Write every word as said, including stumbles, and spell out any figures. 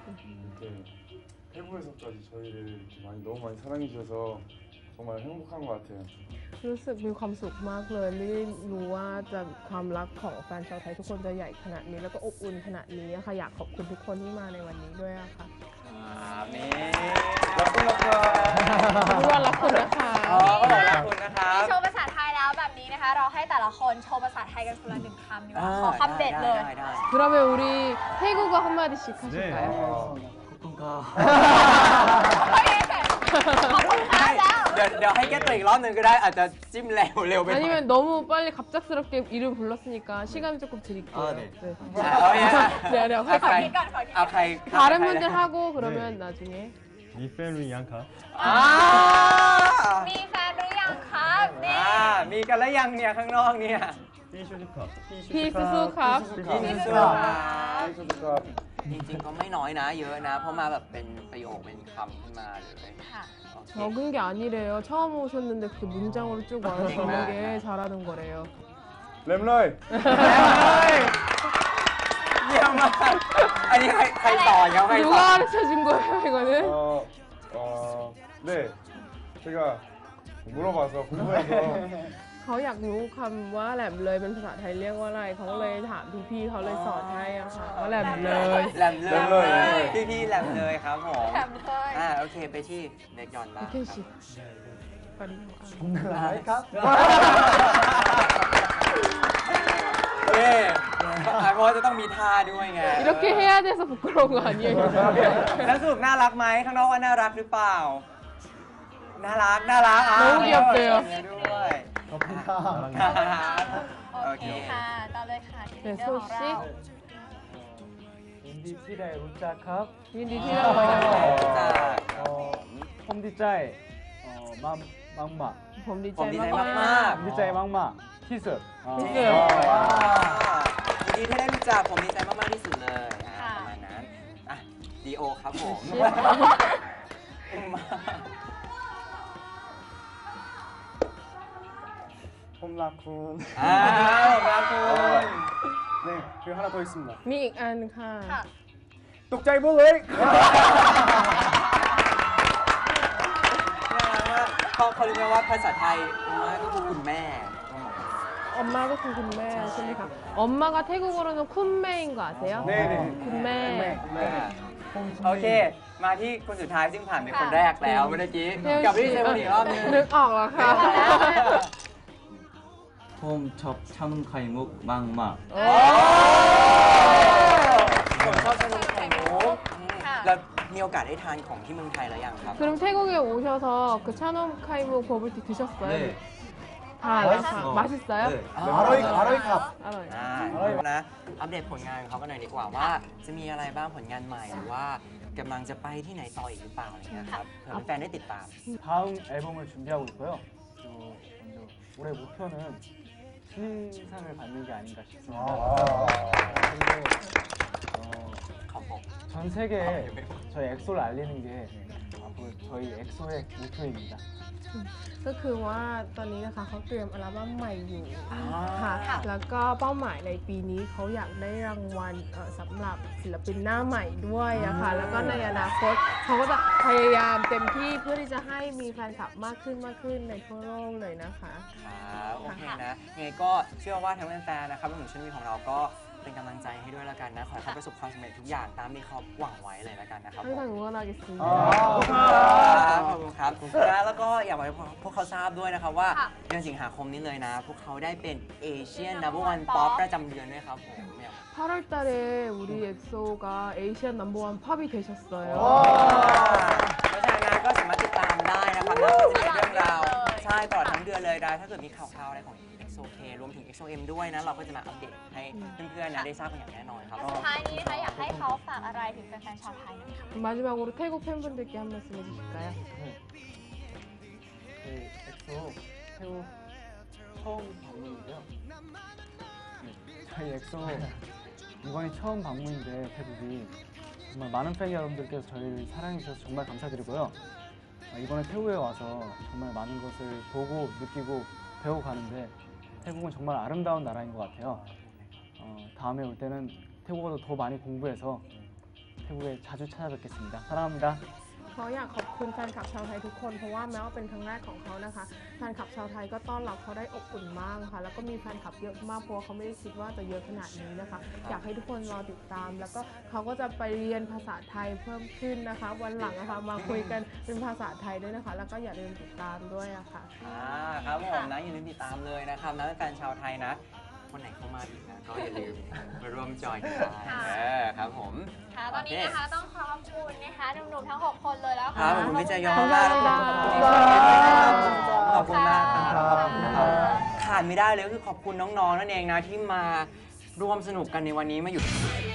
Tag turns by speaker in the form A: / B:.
A: 이렇게 태국에서까지 저희를 이렇게 많이 너무 많이 사랑해 주셔서 정말 행복한 것 같아요.
B: รู้สึกมีความสุขมากเลยไม่ได้รู้ว่าจะความรักของแฟนชาวไทยทุกคนจะใหญ่ขนาดนี้แล้วก็อบอุ่นขนาดนี้ค่ะอยากขอบคุณทุกคนที่มาในวันนี้ด้วยอะค่ะ
C: นี่
A: รักคุณนะคะ
B: ทุกคนรักคุณนะคะ
C: อ๋อก็บอกรักคุณนะครับ
D: โชว์ภาษาไทยแล้วแบบนี้นะคะ เราให้แต่ละคนโชว์ภาษาไทยกันคนละหนึ่งคำดีกว่าขอคำเด็ดเลย
C: ได้ได้
B: 그러면 우리 태국어 한마디씩 하실까요?
C: 네.
D: โอเคขอบคุณค่ะแล้ว
C: เดี๋ยวเดี๋ยวให้แก้ตัวอีกรอบหนึ่งก็ได้อาจจะจิ้มเร็วเร็วไปหน่อย
B: 아니면 너무 빨리 갑작스럽게 이름 불렀으니까 시간 조금 드릴게요.
C: 아, 네.
B: 네.
C: เอาอย่าง
B: เดี๋ยวเดี๋ยวค่อย
C: ใคร
D: คิดก่อนขอคิดก่
C: เอา
D: อน
C: ใคร
B: 다른 분들 하고 그러면 나중에
A: 미 패밀리 양카.
C: อ่า
D: มีแฟนหรือยังครับนี่
C: อ่ามีกันแล้วยังเนี่ยข้างนอกเนี่ย
A: 피쇼지카.
B: 피스수캅.
C: 피스수캅.
A: 피쇼지카.
C: จริงๆก็ไม่น้อยนะเยอะนะ เพราะมาแบบเป็นประโยคเป็นคำขึ้นมาเลย
D: ค่ะ
C: โอเค
B: 적은 게 아니래요. 처음 오셨는데 그렇게 문장으로 쭉 완성하는 게 잘하는 거래요.
A: 램러이.
C: เยี่ยมมากอันนี้ใครใครสอนเขาใครส
B: 누가
C: อน
B: 가르쳐 준 거예요, 이거는?
A: 어, 어, 네. 제가 물어봐서 궁금해서
B: เขาอยากรู้คำว่าแหลมเลยเป็นภาษาไทยเรียกว่าอะไรเขาก็เลยถามพี่ๆเขาเลยสอนให้อะค่ะว่าแหลมเลย
C: แหลมเลย
A: แหลมเลย
C: พี่พี่ๆแหลมเลยครับผม
D: แถมเลย
C: อ่าโอเคไปที่เด็กยอนบ้าง
B: โอเคสิปริโภค
C: อะไรครับเอ๊ะเพราะว่าจะต้องมีท่าด้วยไง
B: 이렇게 해야 돼서 부끄러운 거 아니에요?
C: แล้วสรุปน่ารักไหมข้างนอกว่าน่ารักหรือเปล่า น่ารักน่ารักอ่ะ
B: น้องเกียวเกียว
C: ด้วย
A: ขอบคุณค่ะ
D: โอเคค่ะต่อเลยค่ะที่
B: 네,
D: เรื่องของเรา
B: 소씨.
E: 인디티라의 울짜캅
B: 인디티라
C: 어.
B: 어.
E: 어, 홈디짜이 어, 맘, 막마
B: ผมดีใจ
C: ผมดีใจ
B: มาก
C: มาก
E: 홈디짜이 막마 키스 어,
B: ที่
C: ๆ
B: เกิด
C: ยินดีที่ได้รู้จักผมดีใจมากๆที่สุดเลยอ่ะประมาณนั้นอ่ะดีโอครับผม
A: 홈라쿤.
C: อ้าวครับคุณ
A: 네, 그리고 하나 더 있습니다.
B: มีอีกอันค่ะ
D: ค่ะ
A: 똑자이 볼레이.
C: เขาเขาเรียกว่าภาษาไทยว่าก็คือคุณแม่
B: 엄마ก็คือคุณแม่ใช่ไหมคะ 엄마가 태국어로는 쿤매인 거 아세요?
A: 네네.
B: 쿤매.
A: 네.
C: โอเค มาที่คนสุดท้ายซึ่งผ่านเป็นคนแรกแล้วเมื่อกี้
B: เฮ้ย
C: กับพี่เซวันอีกรอบนึง
B: นึกออกแล้วค่ะ
F: 홈 첩 참은 카이묵 막마
B: โอ้
C: ผมชอบชานมไข่มุก
D: ค่ะ
C: แล้วมีโอกาสได้ทานของที่เมืองไทยแล้วยังครับ
B: 그럼 태국에 오셔서 그 차놈 카이무 버블티 드셨어요?
F: 네.
B: 다 알아서
F: 어,
B: 맛있어요?
F: 네.
A: 아로이 아로이 컵.
B: 알아요.
C: อ่านะ อัปเดตผลงานของเขากันหน่อยดีกว่าว่า จะมีอะไรบ้างผลงานใหม่หรือว่ากำลังจะไปที่ไหนต่ออีกหรือเปล่าอะไรเงี้ยครับเผื่อแฟนๆได้ติดตาม
E: 다음 앨범을 준비하고 있고요 또 먼저 올해 목표는 신인상을 받는 게 아닌가 싶습니다 그리고 어,
C: ของผม
E: 전 세계에 저희 엑소를 알리는 게 앞으로 저희 엑소의 목표입니다
B: ก็คือว่าตอนนี้นะคะเขาเตรียมอัลบั้มใหม่อยู่
C: อ่า
B: ค่ะ แล้วก็เป้าหมายในปีนี้เขาอยากได้รางวัลเอ่อสำหรับศิลปินหน้าใหม่ด้วยอะค่ะ แล้วก็ในอนาคตเขาก็จะพยายามเต็มที่เพื่อที่จะให้มีแฟนคลับมากขึ้นมากขึ้นในทั่วโลกเลยนะคะ
C: ครับโอเคนะยังไงก็เชื่อว่าทั้งแฟนๆนะครับรวมถึงชนวีของเราก็เป็นกำลังใจให้ด้วยแล้วกันนะ ขอให้เขาประสบความสำเร็จทุกอย่างตามที่เขาหวังไว้เลยแล้วกันนะครับผม
B: 항상 응원하겠습니다.
C: ครับขอบคุณครับนะแล้วก็อยากบอกให้พวกเขาทราบด้วยนะครับว่า
D: ค่ะ
C: เดือนสิงหาคมนี้เลยนะ พวกเขาได้เป็นเอเชียนนัมเบอร์วันป๊อปประจำเดือนด้วยครับผมเนี่ย
B: 팔월 달에 우리 엑소가 에이시안 넘버원 팝이 되셨어요.
C: เพราะฉะนั้นก็สามารถติดตามได้นะครับแล้วก็จะมีเรื่องราวใช่ตลอดทั้งเดือนเลยนะถ้าเกิดมีข่าวๆอะไรของ เอ็กโซ เค รวมถึง เอ็กโซ เอ็ม ด้วยนะเราก็จะมาอัปเดตให้เพื่อนๆนะได้ทราบกันอย่างแน่นอนครับ
D: สุดท้ายนี้นะคะอยากให้เขาฝากอะไรถึงแฟนๆชาวไทยหน่อยค่ะ
B: 마지막으로 태국 팬분들께 한 말씀 해주실까요?
E: 저희 엑소 태국 처음 방문인데요 네, 저희 엑소 이번이 처음 방문인데 태국이 정말 많은 팬 여러분들께서 저희를 사랑해 주셔서 정말 감사드리고요 어, 이번에 태국에 와서 정말 많은 것을 보고 느끼고 배우고 가는데 태국은 정말 아름다운 나라인 것 같아요 어, 다음에 올 때는 태국어도 더 많이 공부해서 태국에 자주 찾아뵙겠습니다. 사랑합니다.
B: เขาอยากขอบคุณแฟนคลับชาวไทยทุกคนเพราะว่าแม้ว่าเป็นครั้งแรกของเขานะคะแฟนคลับชาวไทยก็ต้อนรับเขาได้อบอุ่นมากค่ะแล้วก็มีแฟนคลับเยอะมากเพราะว่าเขาไม่ได้คิดว่าจะเยอะขนาดนี้นะคะอยากให้ทุกคนรอติดตาม แล้วก็เขาก็จะไปเรียนภาษาไทยเพิ่มขึ้นนะคะ วันหลังนะคะมาคุยกันเป็นภาษาไทยด้วยนะคะ แล้วก็อย่าลืมติดตามด้วยอะค่ะ
C: อ่าครับผมนะอย่าลืมติดตามเลยนะครับนะแฟนชาวไทยนะคนไหนเข้ามาอีกนะก็อย่าลืมมาร่วมจอยกันได้
D: ค่ะ
C: เออครับผม
D: ค่ะตอนนี้นะคะต้องขอบคุณนะคะหนุ่มๆทั้งหกคนเลยแล้ว
C: ครั
D: ค่ะ
C: บขอบคุณพี่เจยอง
B: ขอบคุณ
C: มากแล้วก็
B: ค่ะ
C: ขอบคุณมากครับขอบคุณ
D: ค่ะ
C: ครับขาดไม่ได้เลยก็คือขอบคุณน้องๆนั่นเองนะที่มาร่วมสนุกกันในวันนี้มาอยู่